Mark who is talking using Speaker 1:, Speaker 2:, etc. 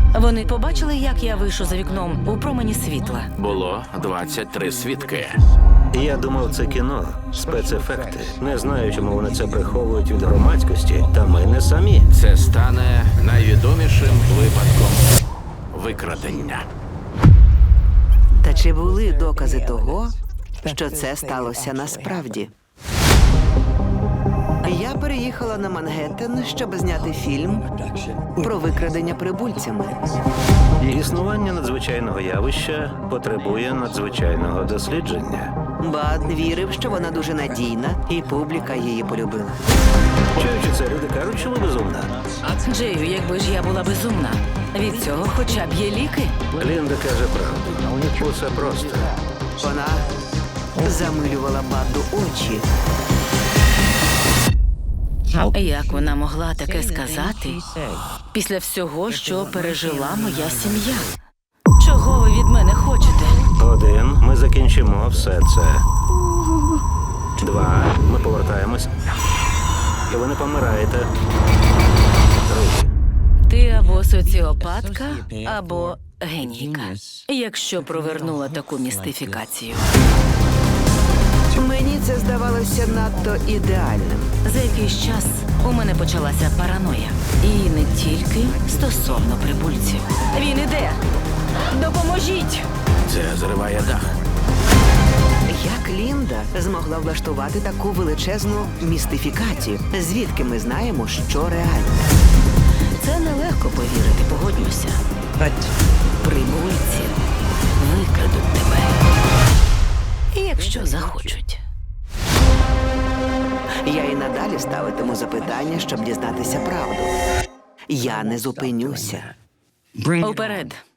Speaker 1: Вони побачили, як я вийшов за вікном у промені світла.
Speaker 2: Було 23 свідки.
Speaker 3: Я думав, це кіно, спецефекти. Не знаю, чому вони це приховують від громадськості, та ми не самі.
Speaker 2: Це стане найвідомішим випадком викрадення.
Speaker 4: Та чи були докази того, що це сталося насправді? Я переїхала на Мангеттен, щоб зняти фільм про викрадення прибульцями.
Speaker 3: Існування надзвичайного явища потребує надзвичайного дослідження.
Speaker 4: Бад вірив, що вона дуже надійна, і публіка її полюбила.
Speaker 3: Чуючи це, люди кажуть, що ви безумна.
Speaker 1: Джею, якби ж я була безумна, від цього хоча б є ліки.
Speaker 3: Лінда каже правду. Усе просто.
Speaker 4: Вона замилювала Баду очі.
Speaker 1: Як вона могла таке сказати після всього, що пережила моя сім'я? Чого ви від мене хочете?
Speaker 3: 1. Ми закінчимо все це. 2. Ми повертаємось. І ви не помираєте. 3.
Speaker 1: Ти або соціопатка, або генійка, якщо провернула таку містифікацію.
Speaker 4: Мені це здавалося надто ідеальним.
Speaker 1: За якийсь час у мене почалася параноя. І не тільки стосовно прибульців. Він іде! Допоможіть!
Speaker 2: Це зриває дах.
Speaker 4: Як Лінда змогла влаштувати таку величезну містифікацію? Звідки ми знаємо, що реально?
Speaker 1: Це нелегко повірити, погодьмося. Прибульці викрадуть тебе. Якщо захочуть.
Speaker 4: Я і надалі ставитиму запитання, щоб дізнатися правду. Я не зупинюся.
Speaker 1: Уперед.